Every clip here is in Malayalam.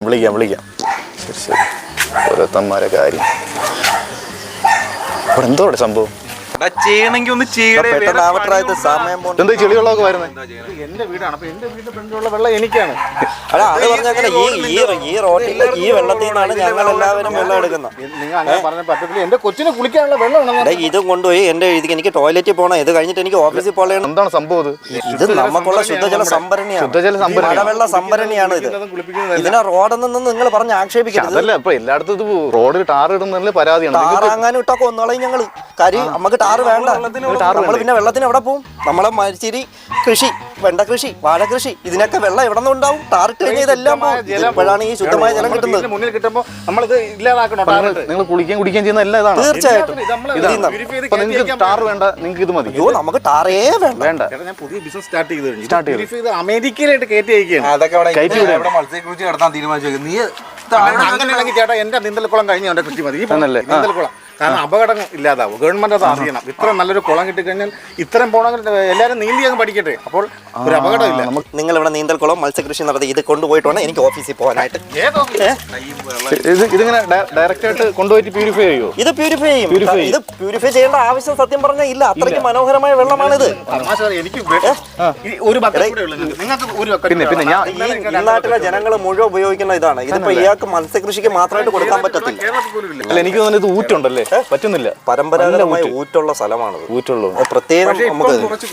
വിളിക്കാം. ശരി ഓരോരുത്തന്മാരെ കാര്യം. ഇവിടെ എന്തോ സംഭവം ചെയ്യണമെങ്കിൽ ഒന്ന് എന്താ ചെളികളൊക്കെ വരുന്നത്? എന്റെ വീടാണ്. അപ്പൊ എന്റെ വീടിന്റെ ഫ്രണ്ടിലുള്ള വെള്ളം എനിക്കാണ്. അല്ല അത് പറഞ്ഞാൽ ഈ റോട്ടിൽ ഈ വെള്ളത്തിൽ നിന്നാണ് ഞങ്ങൾ എല്ലാവരും വെള്ളം എടുക്കുന്നത്. നിങ്ങൾ അങ്ങനെ പറഞ്ഞ പറ്റത്തില്ല. എന്റെ കൊച്ചിനെ കുളിക്കാനുള്ള വെള്ളം ഇതും കൊണ്ടുപോയി എനിക്ക് ടോയ്ലറ്റിൽ പോകണം, ഇത് കഴിഞ്ഞിട്ട് എനിക്ക് ഓഫീസിൽ പോകണം. എന്താണ് സംഭവം? ഇത് നമുക്കുള്ള ശുദ്ധജല സംഭരണിയാണ്, മഴവെള്ള സംഭരണിയാണ് ഇത്. ഇതിനെ റോഡെന്ന് നിങ്ങൾ പറഞ്ഞ് ആക്ഷേപിക്കുന്നത്. അതല്ല, ഇപ്പൊ എല്ലായിടത്തും ഇത് റോഡിൽ ടാർ ഇടുന്നതിൽ പരാതിയാണ്. ടാറാങ്ങാനും ഇട്ടൊക്കെ ഒന്നോളയും ഞങ്ങള്. കാര്യം നമുക്ക് ടാറ് വേണ്ട. നമ്മൾ പിന്നെ വെള്ളത്തിന് എവിടെ പോകും? നമ്മളെ മരിച്ചിരി കൃഷി, വെണ്ട കൃഷി, വാഴ കൃഷി, ഇതിനൊക്കെ വെള്ളം എവിടെ നിന്ന് ഉണ്ടാവും? ടാറിട്ട് കഴിഞ്ഞാൽ ഇതെല്ലാം ഇപ്പോഴാണ് ഈ ശുദ്ധമായ ജലം കിട്ടുന്നത്. മുന്നിൽ കിട്ടുമ്പോൾ നമ്മളിത് ഇല്ലാതാക്കണോ? നിങ്ങൾ കുടിക്കുകയും കുടിക്കുകയും ചെയ്യുന്ന എല്ലാം തീർച്ചയായിട്ടും. നിങ്ങൾക്ക് ടാർ വേണ്ട, നിങ്ങൾക്ക് ഇത് മതി. നമുക്ക് ടാറേ വേണ്ട. ഞാൻ പുതിയ ബിസിനസ് സ്റ്റാർട്ട് ചെയ്ത് അമേരിക്കയിലായിട്ട് കയറ്റി അയക്കുകയാണ്. മത്സ്യകൃഷി നടത്താൻ തീരുമാനിച്ചു. നീ അങ്ങനെയാണെങ്കിൽ ചേട്ടാ എന്റെ നീന്തൽക്കുളം കഴിഞ്ഞു എന്റെ കൃഷി മതി. നീന്തൽക്കുളം കാരണം അപകടം ഇല്ലാതാവും. ഗവൺമെന്റ് അത് അറിയണം. ഇത്ര നല്ലൊരു കുളം കിട്ടിക്കഴിഞ്ഞാൽ ഇത്രയും പോകണമെങ്കിൽ എല്ലാവരും നീന്തി അങ്ങ് പഠിക്കട്ടെ. അപ്പോൾ ഒരു അപകടമില്ല. നിങ്ങൾ ഇവിടെ നീന്തൽക്കുളം മത്സ്യകൃഷി നടത്തി ഇത് കൊണ്ടുപോയിട്ട് വേണം എനിക്ക് ഓഫീസിൽ പോകാനായിട്ട്. ഇതിങ്ങനെ ഡയറക്റ്റ് ആയിട്ട് കൊണ്ടുപോയിട്ട് പ്യൂരിഫൈ ചെയ്യുമോ? ഇത് പ്യൂരിഫൈ ചെയ്യും. ഇത് പ്യൂരിഫൈ ചെയ്യേണ്ട ആവശ്യം സത്യം പറഞ്ഞാൽ ഇല്ല. അത്രയ്ക്ക് മനോഹരമായ വെള്ളമാണിത്. എനിക്ക് ഒരു പിന്നെ ഈ നാട്ടിലെ ജനങ്ങൾ മുഴുവൻ ഉപയോഗിക്കുന്ന ഇതാണ്. ഇതിപ്പോ ഇയാൾക്ക് മത്സ്യകൃഷിക്ക് മാത്രമായിട്ട് കൊടുക്കാൻ പറ്റത്തില്ല. എനിക്ക് തോന്നുന്നത് ഇത് ഊറ്റുണ്ടല്ലേ? പറ്റുന്നില്ല. പരമ്പരാഗതമായ ഊറ്റുള്ള സ്ഥലമാണത്. ഊറ്റുള്ളൂ. പ്രത്യേകം നമുക്ക്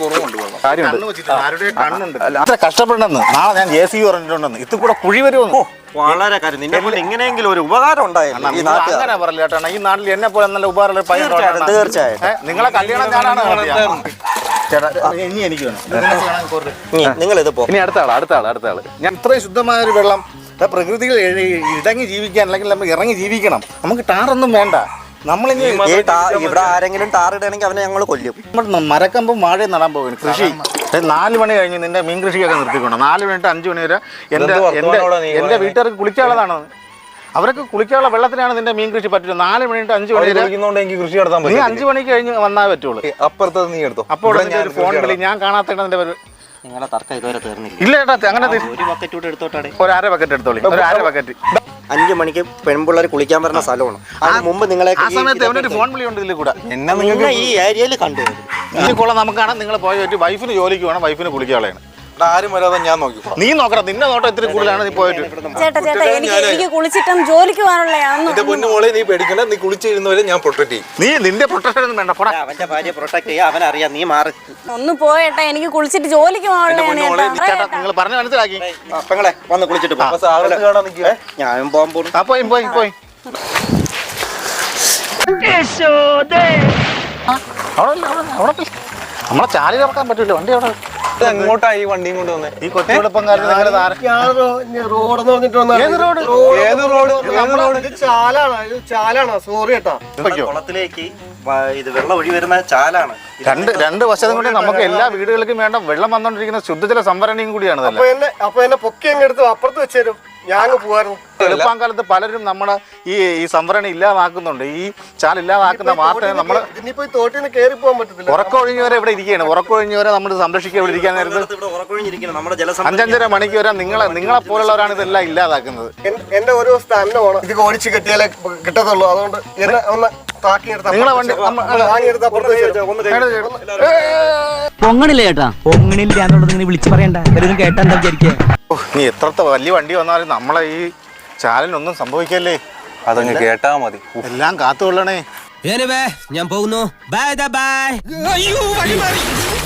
കഷ്ടപ്പെടണമെന്ന് നാളെ ഞാൻ JCB പറഞ്ഞിട്ടുണ്ടെന്ന് ഇത് കൂടെ കുഴി വരുമെന്ന്. വളരെ കാര്യം. നിന്നെ കൊണ്ട് എങ്ങനെയെങ്കിലും ഒരു ഉപകാരം ഉണ്ടായിരുന്നു. അങ്ങനെ പറയില്ല ചേട്ടാ. ഈ നാട്ടിൽ എന്നെ പോലെ നല്ല ഉപകാരമുള്ള തീർച്ചയായിട്ടും. നിങ്ങളെ കല്യാണം ഞാനാണ് ചേട്ടാ. ഇനി എനിക്ക് വേണം. നിങ്ങൾ ഇത് പോ. ഇനി അടുത്ത ആള്. ഞാൻ ഇത്രയും ശുദ്ധമായ ഒരു വെള്ളം പ്രകൃതിയിൽ ഇടങ്ങി ജീവിക്കാൻ അല്ലെങ്കിൽ നമ്മൾ ഇറങ്ങി ജീവിക്കണം. നമുക്ക് ടാറൊന്നും വേണ്ട. നമ്മളിനി ഇവിടെ ആരെങ്കിലും ടാറിടണമെങ്കിൽ അവനെ ഞങ്ങൾ കൊല്ലും. നമ്മൾ മരക്കമ്പും വാഴ നടാൻ പോകുന്നു. കൃഷി 4 മണി കഴിഞ്ഞ് നിന്റെ മീൻ കൃഷിയൊക്കെ നിർത്തിക്കൊണ്ട് 4 മണി to 5 മണി വരെ എന്റെ വീട്ടുകാർക്ക് കുളിക്കാനുള്ളതാണ്. അവർക്ക് കുളിക്കാനുള്ള വെള്ളത്തിനാണ് നിന്റെ മീൻ കൃഷി പറ്റില്ല. 4 മണി to 5 മണി വരെ കൃഷി നടത്താൻ നീ 5 മണിക്ക് കഴിഞ്ഞ് വന്നാൽ പറ്റുള്ളൂ. അപ്പുറത്ത് നീ എടുത്തോ. അപ്പോൾ ഒരു ഫോൺ വിളി. ഞാൻ കാണാത്തതിന്റെ നിങ്ങളുടെ തർക്കം ഇതുവരെ തീർന്നില്ല. ഇല്ല ചേട്ടാ. അങ്ങനെ ഒരു ബക്കറ്റ് കൂടെ എടുത്തോട്ടെ. ഒരു 1/2 ബക്കറ്റ് എടുത്തോളി. ഒരു 1/2 ബക്കറ്റ്. 5 മണിക്ക് പെൺപിള്ളേർ കുളിക്കാൻ വരുന്ന സ്ഥലമാണ്. അതിന് മുമ്പ് നിങ്ങളെ ആ സമയത്ത് അവനൊരു ഫോൺ വിളി ഉണ്ട് ഇതിൽ കൂടെ. നിങ്ങൾ ഈ ഏരിയയിൽ കണ്ടു. ഈ കുളം നമുക്കാണ്. നിങ്ങൾ പോയി പറ്റി വൈഫിന് ജോലിക്ക് വേണം. വൈഫിന് കുളിക്കാളാണ്. ആരും വരാതെ ഞാൻ നോക്കി. നീ നോക്കണം. നിന്റെ നോട്ടം ഇത്തിരി കൂടുതലാണ്. നീ പോയിട്ട് ചേട്ടാ എനിക്ക് കുളിച്ചിട്ടും ജോലിക്ക് പോകാനുള്ള നീ പേടിക്കണ്ട. നീ കുളിച്ചിരുന്നവരെ ഞാൻ പ്രൊട്ടക്ട് ചെയ്യും. നീ നിന്റെ പ്രൊട്ടക്ഷൻ ഒന്നും വേണ്ട. അവന്റെ ഭാര്യ പ്രൊട്ടക്ട് ചെയ്യാൻ അവനറിയാം. നീ മാറി ഒന്ന് പോയേട്ടാ. എനിക്ക് കുളിച്ചിട്ട് ജോലിക്ക് പോകാനുള്ള നിങ്ങൾ പറഞ്ഞു മനസ്സിലാക്കി. പെങ്ങളെ വന്ന് കുളിച്ചിട്ട് പോ. ഞാനും പോകാൻ പോകും. പോയി നമ്മളെ ചാലി ഇറക്കാൻ പറ്റൂല. വണ്ടി അവിടെ എങ്ങോട്ടായി വണ്ടിയും കൊണ്ട് വന്നേ? ഈ കൊച്ചുകുളപ്പംകാരൻ കുളത്തിലേക്ക് ഇത് വെള്ളം ഒഴി വരുന്ന ചാലാണ്. രണ്ട് വശത്തും കൂടി നമുക്ക് എല്ലാ വീടുകൾക്കും വേണ്ട വെള്ളം വന്നോണ്ടിരിക്കുന്ന ശുദ്ധജല സംഭരണിയും കൂടിയാണ്. അപ്പൊ എന്നെ പൊക്കി അങ്ങ് എടുത്ത് അപ്പുറത്ത് വെച്ചേരും. ഞാൻ പോകാറുണ്ട്. എളുപ്പം കാലത്ത് പലരും നമ്മുടെ ഈ സംഭരണി ഇല്ലാതാക്കുന്നുണ്ട്. ഈ ചാൽ ഇല്ലാതാക്കുന്ന വാർത്ത നമ്മൾ ഇനിയിപ്പോ തോട്ടിൽ കയറി പോകാൻ പറ്റത്തില്ല. ഉറക്കൊഴിഞ്ഞവരെ ഇവിടെ ഇരിക്കുകയാണ്. ഉറക്കൊഴിഞ്ഞവരെ നമ്മൾ സംരക്ഷിക്കാൻ ഇവിടെ ഇരിക്കാൻ നേരത്ത് 5-5.5 മണിക്ക് വരെ നിങ്ങളെ പോലുള്ളവരാണ് ഇതെല്ലാം ഇല്ലാതാക്കുന്നത്. എന്റെ ഒരു ദിവസത്തെ അന്ന വേണം. ഇത് ഓടിച്ച് കെട്ടിയാലേ കിട്ടത്തുള്ളൂ. അതുകൊണ്ട് എന്നെ ഒന്ന് നിങ്ങളെ വണ്ടി പൊങ്ങണില്ല ചേട്ടാ. പൊങ്ങണില്ല എന്നുള്ളത് നിങ്ങൾ വിളിച്ചു പറയണ്ട. എല്ലാവരും കേട്ടാ എന്താ വിചാരിക്കുക? നീ എത്രത്തെ വലിയ വണ്ടി വന്നാലും നമ്മളെ ഈ ചാലിനൊന്നും സംഭവിക്കല്ലേ. അതങ്ങ് കേട്ടാ മതി. എല്ലാം കാത്തുകൊള്ളണേ. ഞാൻ പോകുന്നു. Bye by.